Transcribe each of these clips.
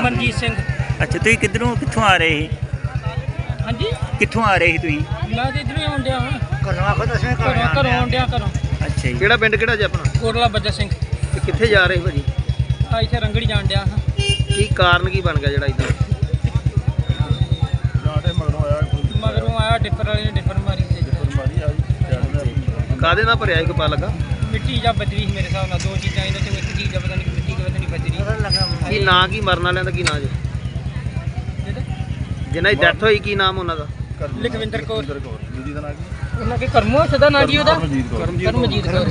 ਮਨਜੀਤ ਸਿੰਘ। ਅੱਛਾ, ਤੁਸੀਂ ਕਿੱਧਰੋਂ ਕਿੱਥੋਂ ਆ ਰਹੇ ਸੀ? ਹਾਂਜੀ, ਕਿੱਥੋਂ ਆ ਰਹੇ ਸੀ ਤੁਸੀਂ? ਮੈਂ ਤੇ ਇਧਰੋਂ ਆਉਣ ਡਿਆ ਹਾਂ। ਘਰੋਂ ਆਖੋ ਦੱਸਵੇਂ ਘਰੋਂ ਆਉਣ ਡਿਆ ਘਰੋਂ। ਅੱਛਾ ਜੀ, ਕਿਹੜਾ ਪਿੰਡ ਕਿਹੜਾ ਜੀ ਆਪਣਾ? ਕੋਟਲਾ ਬੱਜਾ ਸਿੰਘ। ਤੇ ਕਿੱਥੇ ਜਾ ਰਹੇ ਭਾਜੀ? ਆ ਇੱਥੇ ਰੰਗੜੀ ਜਾਣ ਡਿਆ ਹਾਂ। ਕੀ ਕਾਰਨ ਕੀ ਬਣ ਗਿਆ ਜਿਹੜਾ ਇਦਾਂ? ਮਗਰੋਂ ਆਇਆ ਡਿੱਪਰ ਵਾਲੇ ਨੇ ਡਿੱਪਰ ਮਾਰੀ ਤੇ ਕਾਹਦੇ ਨਾਲ ਭਰਿਆ ਇੱਕ ਪਾ ਲੱਗਾ? ਮਿੱਟੀ ਜਾਂ ਬਜਰੀ ਸੀ ਮੇਰੇ ਹਿਸਾਬ ਨਾਲ, ਦੋ ਚੀਜ਼ਾਂ ਇਹਨਾਂ ਚੋਂ ਇੱਕ ਚੀਜ਼ ਆ, ਪਤਾ ਨਹੀਂ ਮਿੱਟੀ ਕਿ ਪਤਾ ਨਹੀਂ ਬਜਰੀ। ਕੀ ਨਾਂ ਕੀ ਮਰਨ ਵਾਲਿਆਂ ਦਾ ਕੀ ਨਾਂ ਜੀ? ਜਿਨ੍ਹਾਂ ਦੀ ਡੈਥ ਹੋਈ ਕੀ ਨਾਮ ਉਹਨਾਂ ਦਾ? ਲਖਵਿੰਦਰ ਕੌਰ। ਉਹਨਾਂ ਕੇ ਕਰਮੋ ਸਦਾ ਨਾਂ ਜੀ ਉਹਦਾ ਕਰਮਜੀਤ ਕੌਰ।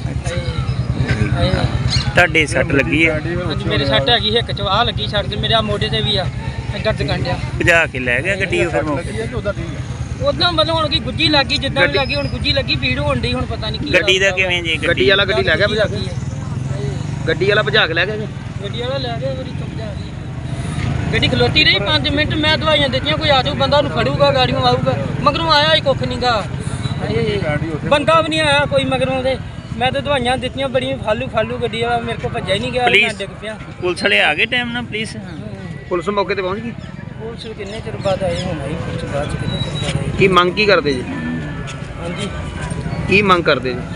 ਤੁਹਾਡੇ ਸੱਟ ਲੱਗੀ ਹੈ? ਹਾਂਜੀ, ਮੇਰੇ ਸੱਟ ਹੈਗੀ ਹਿੱਕ ਚ, ਆਹ ਲੱਗੀ ਸੱਟ ਤੇ ਮੇਰੇ ਆ ਮੋਢੇ ਤੇ ਵੀ ਆ, ਦਰਦ ਕੰਡਿਆ। ਭਜਾ ਕੇ ਲੈ ਗਿਆ ਗੱਡੀ ਉਹ ਫਿਰ ਮੌਕੇ? ਉਦਾਂ ਮਤਲਬ ਹੁਣ ਕੀ ਗੁੱਜੀ ਲੱਗੀ, ਜਿੱਦਾਂ ਵੀ ਲੱਗੀ ਹੁਣ ਗੁੱਜੀ ਲੱਗੀ, ਭੀੜ ਹੋਣ ਡਈ, ਹੁਣ ਪਤਾ ਨਹੀਂ ਕੀ ਗੱਡੀ ਦਾ ਕਿਵੇਂ ਜੀ? ਗੱਡੀ ਵਾਲਾ ਗੱਡੀ ਲੈ ਗਿਆ ਭਜਾ ਕੇ? ਗੱਡੀ ਵਾਲਾ ਭਜਾ ਕੇ ਲੈ ਗਿਆ ਜੀ? ਗੱਡੀ ਵਾਲਾ ਲੈ ਗਿਆ, ਗੱਡੀ ਚੁੱਕ ਜਾ ਰਹੀ। ਗੱਡੀ ਖਲੋਤੀ ਰਹੀ 5 ਮਿੰਟ, ਮੈਂ ਦਵਾਈਆਂ ਦਿੱਤੀਆਂ, ਕੋਈ ਆ ਜਾਊ ਬੰਦਾ ਉਹਨੂੰ ਫੜੂਗਾ, ਗਾੜੀਆਂ ਆਊਗਾ। ਮਗਰੋਂ ਆਇਆ ਹੀ ਕੁੱਖ ਨਹੀਂਗਾ, ਬੰਦਾ ਵੀ ਨਹੀਂ ਆਇਆ ਕੋਈ ਮਗਰੋਂ ਦੇ। ਮੈਂ ਤਾਂ ਦਵਾਈਆਂ ਦਿੱਤੀਆਂ ਬੜੀਆਂ, ਫਾਲੂ ਗੱਡੀ ਵਾਲਾ ਮੇਰੇ ਕੋਲ ਭੱਜਿਆ ਹੀ ਨਹੀਂ ਗਿਆ, ਮੈਂ ਡਿੱਗ ਪਿਆ। ਪੁਲਿਸ ਵਾਲੇ ਆ ਗਏ ਟਾਈਮ ਨਾਲ? ਪੁਲਿਸ ਮੌਕੇ ਤੇ ਪਹੁੰਚ ਗਈ? ਪੁਲਿਸ ਕਿੰਨੇ ਚਿਰ ਬਾਅਦ ਆਏ ਹੁਣ ਆਈ, ਪੁਲਿਸ ਬਾਅਦ ਚ ਕਿੰਨੇ ਚਿਰ ਬਾਅਦ ਆਈ। ਕੀ ਮੰਗ ਕੀ ਕਰਦੇ ਜੀ? ਹਾਂਜੀ, ਕੀ ਮੰਗ ਕਰਦੇ ਜੀ?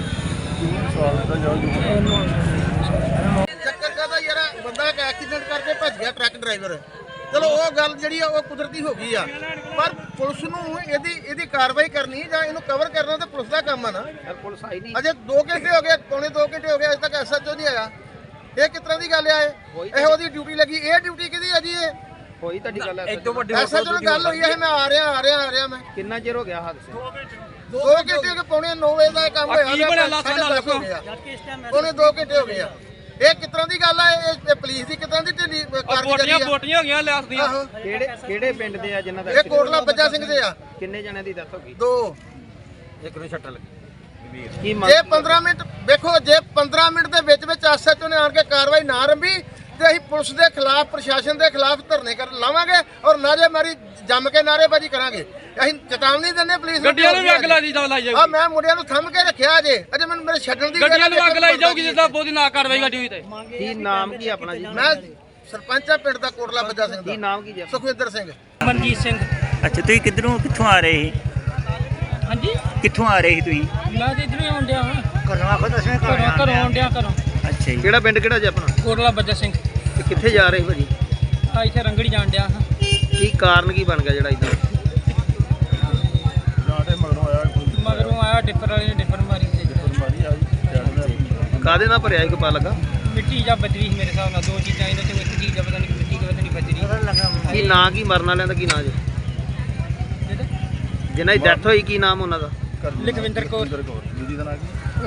ਚੱਕਰ ਕਰਦਾ ਯਾਰ, ਬੰਦਾ ਇੱਕ ਐਕਸੀਡੈਂਟ ਕਰਕੇ ਭੱਜ ਗਿਆ ਟਰੱਕ ਡਰਾਈਵਰ। ਚਲੋ ਉਹ ਗੱਲ ਜਿਹੜੀ ਆ ਉਹ ਕੁਦਰਤੀ ਹੋ ਗਈ ਆ, ਪਰ ਪੁਲਿਸ ਨੂੰ ਇਹਦੀ ਕਾਰਵਾਈ ਕਰਨੀ ਜਾਂ ਇਹਨੂੰ ਕਵਰ ਕਰਨਾ ਤਾਂ ਪੁਲਿਸ ਦਾ ਕੰਮ ਆ ਨਾ। ਪੁਲਿਸ ਆਈ ਨਹੀਂ ਅਜੇ 2 ਘੰਟੇ ਹੋ ਗਏ, ਪੌਣੇ 2 ਘੰਟੇ ਹੋ ਗਏ, ਅਜੇ ਤੱਕ ਐਸਐਚਓ ਨਹੀਂ ਆਇਆ। ਇਹ ਕਿਸ ਤਰ੍ਹਾਂ ਦੀ ਗੱਲ ਆ? ਇਹ ਉਹਦੀ ਡਿਊਟੀ ਲੱਗੀ, ਇਹ ਡਿਊਟੀ ਕਿਹਦੀ ਆ ਜੀ? ਇਹ ਹੋਈ ਤੁਹਾਡੀ ਗੱਲ? ਐਸਐਚਓ ਨਾਲ ਗੱਲ ਹੋਈ ਹੈ, ਮੈਂ ਆ ਰਿਹਾ ਮੈਂ। ਕਿੰਨਾ ਚਿਰ ਹੋ ਗਿਆ ਹਾਦਸੇ? 2 ਘੰਟੇ ਕੇ ਪੌਣੇ 9 ਵਜੇ ਦਾ ਇਹ ਕੰਮ ਹੋਇਆ, ਪੌਣੇ 2 ਘੰਟੇ ਹੋ ਗਏ ਆ। ਇਹ ਕਿਸ ਤਰ੍ਹਾਂ ਦੀ ਗੱਲ ਆ? ਇਹ ਪੁਲਿਸ ਦੀ ਕਿਸ ਤਰ੍ਹਾਂ ਦੀ ਢਿੱਲੀ ਕਾਰਗੁਜ਼ਾਰੀ ਆ? ਬੋਟੀਆਂ ਹੋ ਗਈਆਂ ਲਿਆਸ ਦੀਆਂ। ਕਿਹੜੇ ਪਿੰਡ ਦੇ ਆ ਜਿਨ੍ਹਾਂ ਦਾ? ਇਹ ਕੋਟਲਾ ਬੱਜਾ ਸਿੰਘ ਦੇ ਆ। ਕਿੰਨੇ ਜਣਿਆਂ ਦੀ ਡੈਥ ਹੋ ਗਈ? 2। ਇੱਕ ਨੂੰ ਛੱਟਾ ਲੱਗੀ। ਕੀ ਜੇ 15 ਮਿੰਟ ਵੇਖੋ, ਜੇ 15 ਮਿੰਟ ਦੇ ਵਿੱਚ ਐਸਐਚਓ ਨੇ ਆਣ ਕੇ ਕਾਰਵਾਈ ਨਾ ਆਰੰਭੀ ਤੇ ਅਸੀਂ ਪੁਲਿਸ ਦੇ ਖਿਲਾਫ, ਪ੍ਰਸ਼ਾਸਨ ਦੇ ਖਿਲਾਫ ਧਰਨੇ ਲਾਵਾਂਗੇ ਔਰ ਨਾਰੇਬਾਜ਼ੀ ਜੰਮ ਕੇ ਨਾਰੇਬਾਜ਼ੀ ਕਰਾਂਗੇ। ਅਸੀਂ ਚੇਤਾਵਨੀ ਦਿੰਦੇ ਪੁਲਿਸ ਨੂੰ। ਗੱਡੀਆਂ ਨੂੰ ਵੀ ਅੱਗ ਲਾਈ ਜਾਊਗੀ। ਆ ਮੈਂ ਮੁੰਡਿਆਂ ਨੂੰ ਥੰਮ ਕੇ ਰੱਖਿਆ ਅਜੇ ਮੈਨੂੰ ਮੇਰੇ ਛੱਡਣ ਦੀ ਗੱਡੀਆਂ ਨੂੰ ਅੱਗ ਲਾਈ ਜਾਊਗੀ ਜਿੱਦਾਂ ਬੋਦੀ ਨਾ ਕਾਰਵਾਈ ਗੱਡੀ ਤੇ। ਕੀ ਨਾਮ ਕੀ ਆਪਣਾ ਜੀ? ਮੈਂ ਸਰਪੰਚ ਆ ਪਿੰਡ ਦਾ ਕੋਟਲਾ ਬੱਜਾ ਸਿੰਘ ਕੀ ਦਾ। ਨਾਮ ਕੀ ਜੀ? ਸੁਖਵਿੰਦਰ ਸਿੰਘ। ਮਨਜੀਤ ਸਿੰਘ। ਅੱਛਾ, ਤੁਸੀਂ ਕਿੱਥੋਂ ਆ ਰਹੇ ਸੀ? ਹਾਂਜੀ, ਕਿੱਥੋਂ ਆ ਰਹੇ ਸੀ ਤੁਸੀਂ? ਮੈਂ ਤੇ ਇਧਰੋਂ ਆਉਣ ਡਿਆ ਹਾਂ। ਘਰੋਂ ਆਖੋ ਦੱਸਵੇਂ ਘਰੋਂ ਆਉਣ ਡਿਆ ਘਰੋਂ। ਅੱਛਾ ਜੀ, ਕਿਹੜਾ ਪਿੰਡ ਕਿਹੜਾ ਜੀ ਆਪਣਾ? ਕੋਟਲਾ ਬੱਜਾ ਸਿੰਘ। ਤੇ ਕਿੱਥੇ ਜਾ ਰਹੇ ਭਾਜੀ? ਆ ਇੱਥੇ ਰੰਗੜੀ ਜਾਣ ਡਿਆ ਹਾਂ। ਕੀ ਕਾਰਨ ਕੀ ਬਣ ਗਿਆ ਜਿਹੜਾ ਇਦਾਂ? ਮਗਰੋਂ ਆਇਆ ਡਿੱਪਰ ਵਾਲੇ ਨੇ ਡਿੱਪਰ ਮਾਰੀ ਤੇ ਕਾਹਦੇ ਨਾਲ ਭਰਿਆ ਇੱਕ ਪਾ ਲੱਗਾ? ਮਿੱਟੀ ਜਾਂ ਬਜਰੀ ਸੀ ਮੇਰੇ ਹਿਸਾਬ ਨਾਲ, ਦੋ ਚੀਜ਼ਾਂ ਇਹਨਾਂ ਚੋਂ ਇੱਕ ਚੀਜ਼ ਆ, ਪਤਾ ਨਹੀਂ ਮਿੱਟੀ ਕਿ ਪਤਾ ਨਹੀਂ ਬਜਰੀ। ਕੀ ਨਾਂ ਕੀ ਮਰਨ ਵਾਲਿਆਂ ਦਾ ਕੀ ਨਾਂ ਜੀ? ਜਿਨ੍ਹਾਂ ਦੀ ਡੈਥ ਹੋਈ ਕੀ ਨਾਮ ਉਹਨਾਂ ਦਾ? ਲਖਵਿੰਦਰ ਕੌਰ।